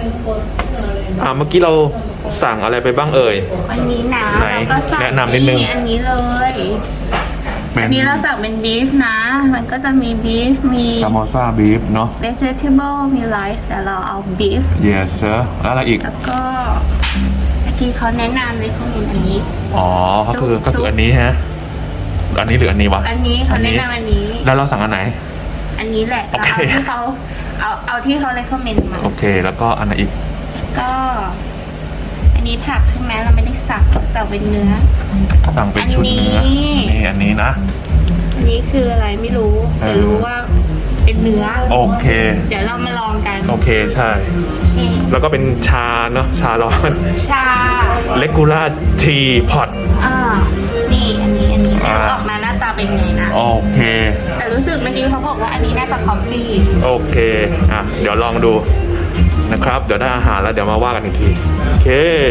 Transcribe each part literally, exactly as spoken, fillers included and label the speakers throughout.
Speaker 1: อ่าเมื่อกี้เราสั่งอะไรไปบ้างเอ่ย
Speaker 2: อันนี้นะ
Speaker 1: ไหน
Speaker 2: เราก็สั่ง
Speaker 1: แนะนำนิดนึง
Speaker 2: อันนี้เลยอันนี้เราสั่งเป็นบีฟนะ มันก็จะมีบีฟมี
Speaker 1: ซามโมซาบีฟเนาะ
Speaker 2: vegetable มีไรซ์แต่เราเอาบีฟ
Speaker 1: yes sir แล้วอะไรอีก
Speaker 2: แล้วก็เมื่อกี้เขาแนะนำเลยเขาเห็นอันนี้
Speaker 1: อ๋อก็คือ
Speaker 2: ซุป
Speaker 1: ก็คืออันนี้ฮะอันนี้หรืออันนี้วะ
Speaker 2: อันนี้เขาแนะนำอันนี้
Speaker 1: แล้วเราสั่งอันไหน
Speaker 2: อันนี้แหละ
Speaker 1: โอ
Speaker 2: เรา
Speaker 1: เค
Speaker 2: เอาที่เขาเอาเอาที่เขาเลยคอมเมนต์มา
Speaker 1: โอเคแล้วก็อันไหนอีก
Speaker 2: ก็ อันนี้ผักใช่ไหมเราไม่ได้สั่งเราสั่งเป็นเนื้อ
Speaker 1: สั่งเป็นชุดเนื้อ
Speaker 2: อันนี้
Speaker 1: นี่อันนี้นะ
Speaker 2: อันนี้คืออะไรไม่รู้แต่รู้ว่าเป็นเนื้อ
Speaker 1: โอเค
Speaker 2: เดี๋ยวเรามาลองกัน
Speaker 1: โอเคใช่
Speaker 2: นี่
Speaker 1: แล้วก็เป็นชาเนาะชาร้อน
Speaker 2: ชา
Speaker 1: เลกูล่าทีพอต
Speaker 2: อ่านี่อันนี้อันนี้
Speaker 1: อ่า
Speaker 2: ออกมาหน้าตาเป็นไงนะ
Speaker 1: โอเค
Speaker 2: แต่รู้สึกเมื่อกี้เขาบอกว่าอันนี้น่าจะคอฟฟี่
Speaker 1: โอเคอ่ะเดี๋ยวลองดูนะครับ เดี๋ยวได้อาหารแล้วเดี๋ยวมาว่ากันอีกทีโอเค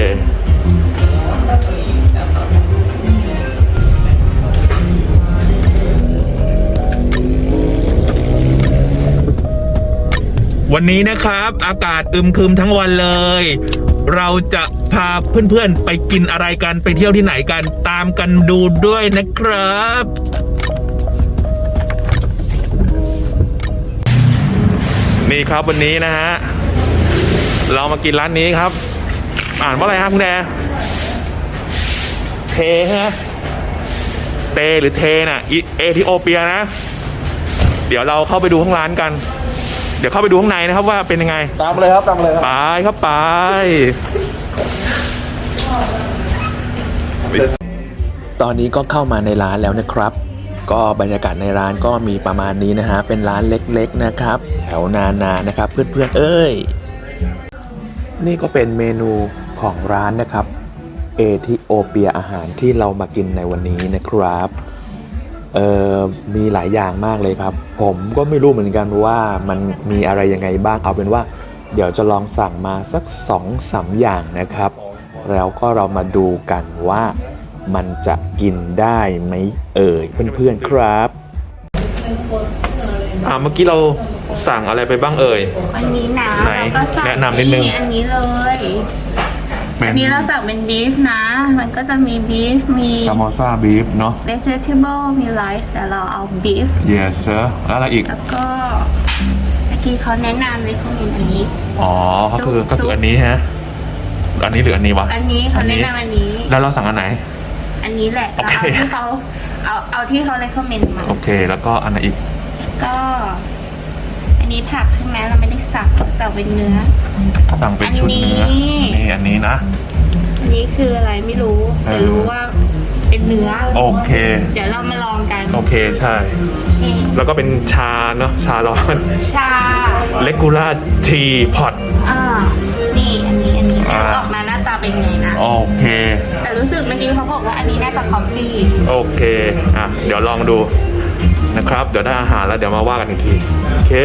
Speaker 1: วันนี้นะครับอากาศอึมครึมทั้งวันเลย เราจะพาเพื่อนๆไปกินอะไรกันไปเที่ยวที่ไหนกันตามกันดูด้วยนะครับ นี่ครับวันนี้นะฮะเรามากินร้านนี้ครับ อ่านว่าอะไรครับคุณแดเทฮะเตหรือเทน่ะเอธิโอเปียนะ เดี๋ยวเราเข้าไปดูข้างร้านกัน เดี๋ยวเข้าไปดูข้างในนะครับว่าเป็นยังไง
Speaker 3: ตามเลยครับตามเลยครับ
Speaker 1: ไปครับไปตอนนี้ก็เข้ามาในร้านแล้วนะครับ ก็บรรยากาศในร้านก็มีประมาณนี้นะฮะเป็นร้านเล็กๆนะครับ แถวนานานะครับเพื่อนๆเอ้ยนี่ก็เป็นเมนูของร้านนะครับเอธิโอเปียอาหารที่เรามากินในวันนี้นะครับเอ่อมีหลายอย่างมากเลยครับผมก็ไม่รู้เหมือนกันว่ามันมีอะไรยังไงบ้างเอาเป็นว่าเดี๋ยวจะลองสั่งมาสัก สองสาม อย่างนะครับแล้วก็เรามาดูกันว่ามันจะกินได้ไหมเอ่ยเพื่อนๆครับอ่าเมื่อกี้เราสั่งอะไรไปบ้างเอ่ย
Speaker 2: อันนี้นะ
Speaker 1: ไหน
Speaker 2: เราก็สั่ง
Speaker 1: แนะนำนิดนึง
Speaker 2: อันนี้เลยอันนี้เราสั่งเป็นบีฟนะ มันก็จะมีบีฟมี
Speaker 1: ซามโมซาบีฟเนาะ
Speaker 2: vegetable มีไรซ์แต่เราเอาบีฟ
Speaker 1: yes sir แล้วอะไรอีก
Speaker 2: แล้วก็เมื่อกี้เขาแนะนำเลยเขาเห็นอันนี้
Speaker 1: อ๋อก็คือ
Speaker 2: ซุป
Speaker 1: ก็คืออันนี้ฮะอันนี้หรืออันนี้วะ
Speaker 2: อันนี้เขาแนะนำอันนี้
Speaker 1: แล้วเราสั่งอันไหน
Speaker 2: อันนี้แหละ
Speaker 1: โอ
Speaker 2: เรา
Speaker 1: เค
Speaker 2: เอาที่เขาเอาเอาที่เขาเลยคอมเมนต์มา
Speaker 1: โอเคแล้วก็อันไหนอีก
Speaker 2: ก็ อันนี้ผักใช่ไหมเราไม่ได้สั่งเราสั่งเป็นเนื้อ
Speaker 1: สั่งเป็นชุดเนื้อ
Speaker 2: อันนี้
Speaker 1: นี่อันนี้นะ
Speaker 2: อันนี้คืออะไรไม่รู้แต่
Speaker 1: เออ
Speaker 2: รู้ว่าเป็นเนื้อ
Speaker 1: โอเค
Speaker 2: เดี๋ยวเรามาลองกัน
Speaker 1: โอเคใช่
Speaker 2: นี่
Speaker 1: แล้วก็เป็นชาเนาะชาร้อน
Speaker 2: ชา
Speaker 1: เลกูล่าทีพอต
Speaker 2: อ่านี่อันนี้อันนี้
Speaker 1: อ่า
Speaker 2: ออกมาหน้าตาเป็นไงนะ
Speaker 1: โอเค
Speaker 2: แต่รู้สึกเมื่อกี้เขาบอกว่าอันนี้น่าจะคอฟฟี่
Speaker 1: โอเคอ่ะเดี๋ยวลองดูนะครับ เดี๋ยวได้อาหารแล้วเดี๋ยวมาว่ากันอีกทีโอเค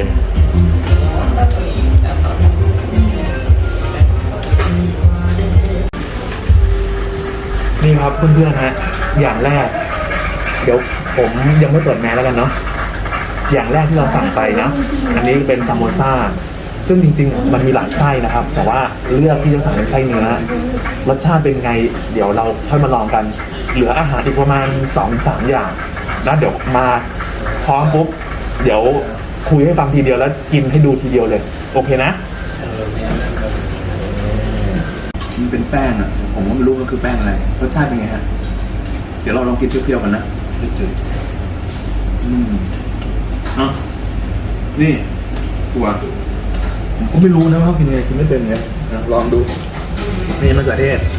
Speaker 1: นี่ครับเพื่อนๆฮะอย่างแรก เดี๋ยวผมยังไม่เปิดแมสแล้วกันเนาะอย่างแรกที่เราสั่งไปนะอันนี้เป็นซามโมซ่าซึ่งจริงๆมันมีหลายไส้นะครับ แต่ว่าเลือกที่จะสั่งเป็นไส้เนื้อรสชาติเป็นไง เดี๋ยวเราค่อยมาลองกัน เหลืออาหารอีกประมาณ สองถึงสาม อย่างนะเดี๋ยวมาพร้อมปุ๊บเดี๋ยวคุยให้ฟังทีเดียวแล้วกินให้ดูทีเดียวเลยโอเคนะ
Speaker 3: มันเป็นแป้งอ่ะผมก็ไม่รู้มันคือแป้งอะไรรสชาติเป็นไงฮะเดี๋ยวเราลองกินเปรี้ยวๆกันนะจืดๆอืมเนาะนี่ตัวผมก็ไม่รู้นะว่ากินยังไงกินไม่เป็นไงนะลองดูนี่มะเขือเทศ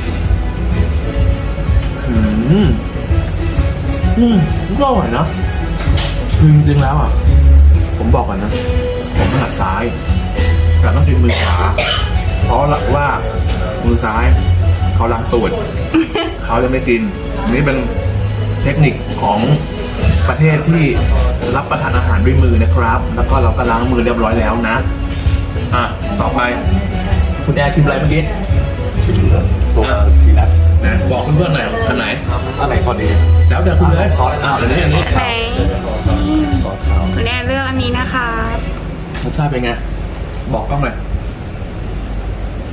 Speaker 3: อืมอืมก็อร่อยนะคือจริงๆแล้วอ่ะผมบอกก่อนนะผมถนัดซ้ายแต่ต้องกินมือขวาเพราะว่ามือซ้ายเขาล้างตูด เขาจะไม่กินนี่เป็นเทคนิคของประเทศที่รับประทานอาหารด้วยมือนะครับ แล้วก็เราก็ล้างมือเรียบร้อยแล้วนะอ่ะต่อไปคุณแอร์ชิมอะไรเมื่อกี้ชิมตัวทีนัทนะบอกเพื่อนๆหน่อยอันไหนอันไหนก่อนดีแล้วแต่คุณเลยซอสอ่ะอันนี้อันนี้
Speaker 2: ไหน
Speaker 3: ซอสขาว
Speaker 2: คุณแอนเลือกอันนี้นะคะ
Speaker 1: รสชาติเป็นไงบอกกล้องหน่อย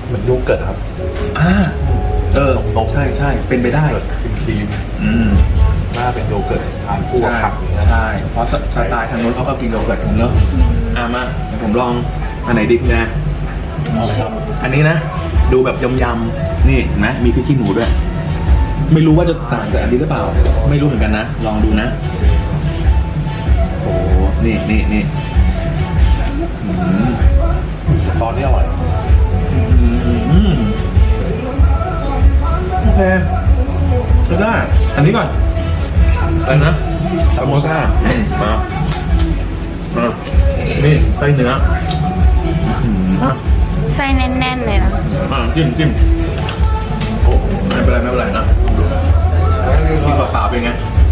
Speaker 3: เหมือนโยเกิร์ตครับ
Speaker 1: อ่าเออ
Speaker 3: นม
Speaker 1: ใช่ใช่เป็นไปได้
Speaker 3: เกิร์ตครีม
Speaker 1: อืม
Speaker 3: ๆน่าเป็นโยเกิร์ตทานคู่กับ
Speaker 1: ใช่
Speaker 3: ผักอย่างเงี้ย
Speaker 1: ใช่เพราะสสไตล์ทางนู้นเขาก็กินโยเกิร์ตกันเนอะอ่ะมาเดี๋ยวผมลองอันไหนดิบนะ
Speaker 3: เอาเลยครับ
Speaker 1: อันนี้นะ ดูแบบยำๆนี่เห็นไหมมีพริกขี้หนูด้วย ไม่รู้ว่าจะต่างจากอันนี้หรือเปล่า ไม่รู้เหมือนกันนะ ลองดูนะ โอ้โหนี่นี่นี่อืม
Speaker 3: ซอสนี่อร่อย
Speaker 1: อืมโอเคก็ได้ อันนี้ก่อนอะไรนะซามโมซ่าอืมมาอ่ะนี่ไส้เนื้ออืมอ่ะ
Speaker 2: ไส้แน่นๆเลยนะ
Speaker 1: อ่ะจิ้มจิ้มโอ้ไม่เป็นไรไม่เป็นไรนะกินกับสาวเป็นไง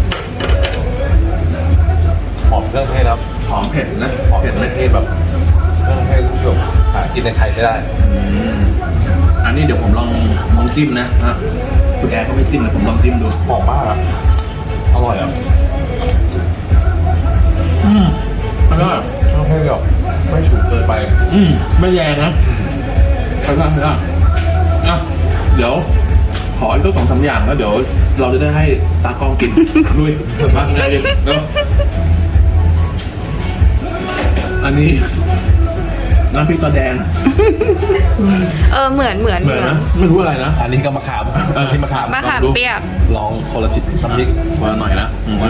Speaker 3: หอมเครื่องเทศครับ
Speaker 1: หอมเผ็ดนะ
Speaker 3: หอมเค
Speaker 1: เผ็ด
Speaker 3: รื่
Speaker 1: ไหม
Speaker 3: องเทศแบบเครื่องเทศที่แบบหากินในไทยไม่ได้
Speaker 1: อืมอันนี้เดี๋ยวผมลองลองจิ้มนะฮะคุณแอร์ก็ไม่จิ้มเลยผมลองจิ้มดู
Speaker 3: หอมมากอะอร่อยอ่ะ
Speaker 1: อืมอร่อย
Speaker 3: เครื่องเทศแบบไม่ฉุนเกินไป
Speaker 1: อืมไม่แรงนะไปได้ไปได้อ่ะเดี๋ยว ขออีกสักสองสามอย่างแล้วเดี๋ยวเราจะได้ให้ตากล้องกิน ลุยมาไงดิเร็วอันนี้น้ำพริกตาแดง
Speaker 2: เออเหมือนเหมือน
Speaker 1: เหมือนนะไม่รู้อะไรนะ
Speaker 3: อันนี้ก็มะขาม
Speaker 1: เออ
Speaker 3: อันนี้มะขาม
Speaker 2: มะขามเปียก
Speaker 3: ลองคนละชิ้นน้ำพริก
Speaker 1: วันละหน่อยนะอืม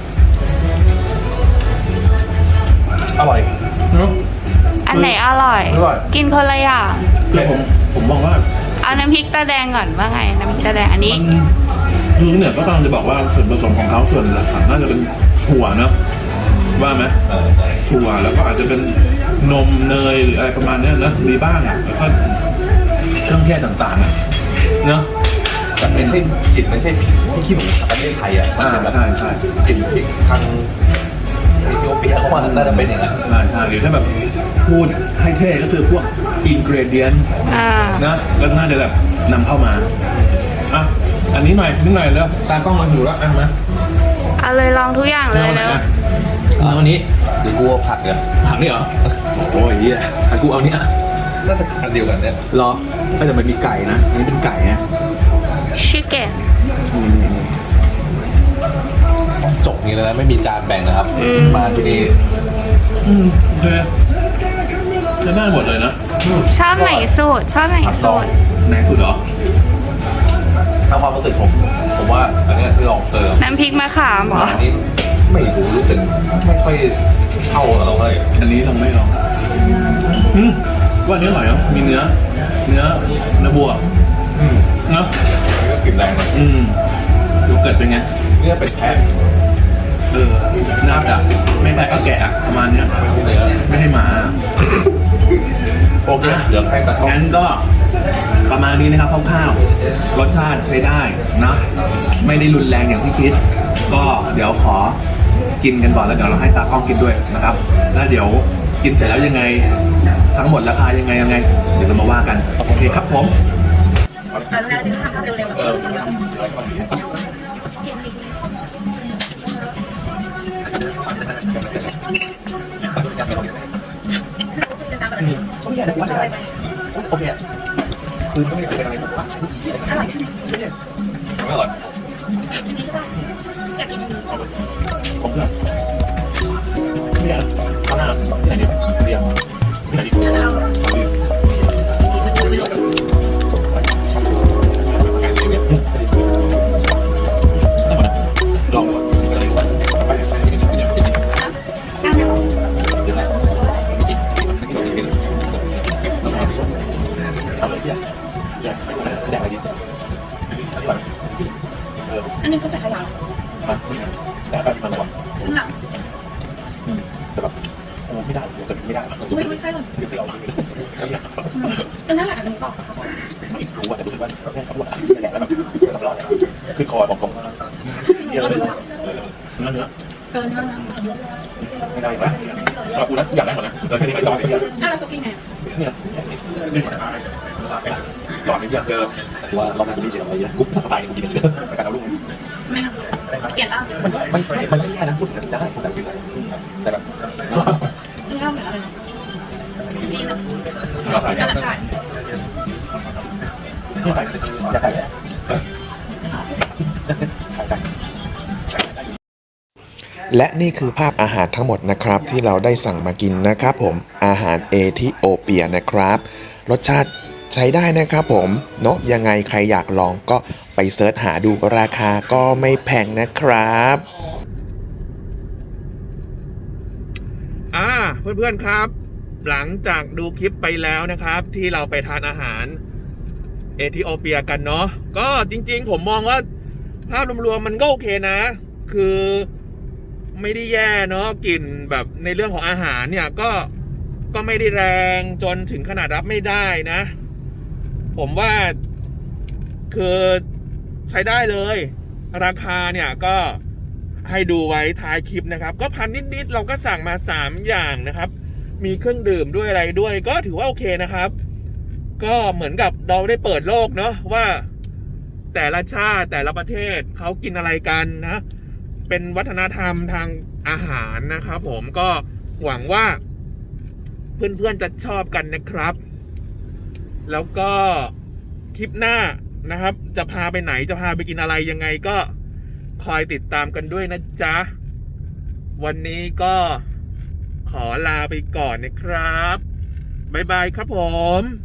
Speaker 3: อร่อย
Speaker 1: เนอะ
Speaker 2: อันไหนอร่อย
Speaker 3: อร่อย
Speaker 2: กินคนละอย่าง
Speaker 1: คือผมผมมองว่า
Speaker 2: เอาน้ำพริกตาแดงก่อนว่าไงน้ำพริกตาแดงอันนี้
Speaker 1: มันคือเนี่ยก็กำลังจะบอกว่าส่วนผสมของเขาส่วนหลักๆน่าจะเป็นถั่วเนอะว่าไหม
Speaker 3: เออใช่
Speaker 1: ถั่วแล้วก็อาจจะเป็นนมเนยหรืออะไรประมาณเนี้ยนะมีบ้างอ่ะแล้วก็เครื่องเทศต่างๆอ่ะเนอะ
Speaker 3: แต่ไม่ใช่กลิ่นไม่ใช่พริกที่ขี้หนูประเทศไทยอ่ะ
Speaker 1: อ่า
Speaker 3: จะแบบ
Speaker 1: ใช่ใช่
Speaker 3: กลิ่นพริกทางเอธิโอเปียเขาว่าน่าจะเป็นอย่างนั้น
Speaker 1: ใช่ใช่หรือถ้าแบบพูดให้เท่ก็คือพวกอินกรเดียน
Speaker 2: อ่า
Speaker 1: นะก็น่าจะแบบนำเข้ามาอ่ะอันนี้หน่อยนิดหน่อยแล้วตากล้องมาอยู่แล้วอ่ะมา
Speaker 2: เอาเลยลองทุกอย่างเลย
Speaker 1: เอาไหน
Speaker 2: เนอะ
Speaker 1: อ่ะเอาอันนี้
Speaker 3: หรือกูว่าผักเนี่ย
Speaker 1: ผักนี่เหรอโอ้ยเหี้ยอ่ะกูเอาเนี้ย
Speaker 3: น่าจะอันเดียวกันเนี่ย
Speaker 1: รอก็แต่มันมีไก่นะอันนี้เป็นไก่นะ
Speaker 2: ชิคเก้น
Speaker 1: นี่นี่นี่
Speaker 3: ของจบนี้เลยนะไม่มีจานแบ่งนะครับ มาที่นี่
Speaker 1: อืมโอเคใช้ได้หมดเลยนะ
Speaker 2: ชอบไหนสูตรชอบไหนสูตร
Speaker 1: ไหนสุดเหรอ
Speaker 3: ถ้าความรู้สึกผม ผมว่าอันเนี้ยที่ลองเติม
Speaker 2: น้ำพริกมะขามเหรอ
Speaker 3: อันนี้ไม่รู้รู้สึกไม่ค่อยเข้ากับเราเลย
Speaker 1: อันนี้ลองไม่ลองอืมว่าอันนี้อร่อยเนาะมีเนื้อ เนื้อเนื้อบัว
Speaker 3: อืม
Speaker 1: เนาะ
Speaker 3: อันนี้ก็กลิ่นแรงนะ
Speaker 1: อืมโยเกิร์ตเป็นไง
Speaker 3: นี่เป็นแพะ
Speaker 1: เออน่าจะไม่แพ้ก็แกะอะประมาณเนี้ย
Speaker 3: ไม่ใช่เนื้อ
Speaker 1: ไม่ให้หมา
Speaker 3: โอเคเดี๋ยวให้ตากล้อง
Speaker 1: งั้นก็ประมาณนี้นะครับคร่าวๆรสชาติใช้ได้นะไม่ได้รุนแรงอย่างที่คิด ก็เดี๋ยวขอกินกันก่อนแล้วเดี๋ยวเราให้ตากล้องกินด้วยนะครับ แล้วเดี๋ยวกินเสร็จแล้วยังไง ทั้งหมดราคายังไงยังไง เดี๋ยวเรามาว่ากันโอเคครับผมเออโอเคโอเคคือไม่ได้เป็นอะไรผมว่า
Speaker 3: อร่อย
Speaker 1: ผมเชื่อไม่ได้เอาหน้าที่ไหนดีเรียงที่ไหนดีลอง
Speaker 2: อันนี้เขาใส่ขยะ
Speaker 1: แต่แบบมันแบบ
Speaker 2: ข้างหลัง
Speaker 1: แต่แบบโอ้ไม่ได้แต่ไม่ได้
Speaker 2: อุ้ยอุ้ยใช่หรอ
Speaker 1: เดี๋ยวเอา
Speaker 2: อันนั้นแหละอันนี้บอก
Speaker 1: ไม่รู้ว่าแต่รู้สึกว่าแค่สำรวจแล้วแบบสำรวจขึ้นคอบอกผมเยอะเลยเนื้อเนื้อ
Speaker 2: เกินมากนะ
Speaker 1: ไม่ได้นะสำหรับกูนะอยากได้หมดนะแต่แค่นี้ไม่จอดไม่เยอะ
Speaker 2: ถ้าเราซุปยังไง
Speaker 1: เนี่ยจอดไม่เยอะเกินว่าเราไม่ได้เจออะไรเยอะกุ๊บสบายกินเยอะแต่การเอาลูก
Speaker 2: ไม่เปลี่ยนบ้าง
Speaker 1: มันไม่มันไม่แย่นะพูดถึงได้แต่แบบ
Speaker 2: ไม่เล่าเหมือนอะไรดีนะ
Speaker 1: เราใส่
Speaker 2: กระชาย
Speaker 1: และนี่คือภาพอาหารทั้งหมดนะครับที่เราได้สั่งมากินนะครับผมอาหารเอธิโอเปียนะครับรสชาติใช้ได้นะครับผมเนาะยังไงใครอยากลองก็ไปเสิร์ชหาดูราคาก็ไม่แพงนะครับอ่าเพื่อนๆครับหลังจากดูคลิปไปแล้วนะครับที่เราไปทานอาหารเอธิโอเปียกันเนาะก็จริงๆผมมองว่าภาพรวมๆมันก็โอเคนะคือไม่ได้แย่เนาะกลิ่นแบบในเรื่องของอาหารเนี่ยก็ก็ไม่ได้แรงจนถึงขนาดรับไม่ได้นะผมว่าคือใช้ได้เลยราคาเนี่ยก็ให้ดูไว้ท้ายคลิปนะครับก็พันนิดๆเราก็สั่งมาสามอย่างนะครับมีเครื่องดื่มด้วยอะไรด้วยก็ถือว่าโอเคนะครับก็เหมือนกับเราได้เปิดโลกเนาะว่าแต่ละชาติแต่ละประเทศเขากินอะไรกันนะเป็นวัฒนธรรมทางอาหารนะครับผมก็หวังว่าเพื่อนๆจะชอบกันนะครับแล้วก็คลิปหน้านะครับจะพาไปไหนจะพาไปกินอะไรยังไงก็คอยติดตามกันด้วยนะจ๊ะวันนี้ก็ขอลาไปก่อนนะครับบ๊ายบายครับผม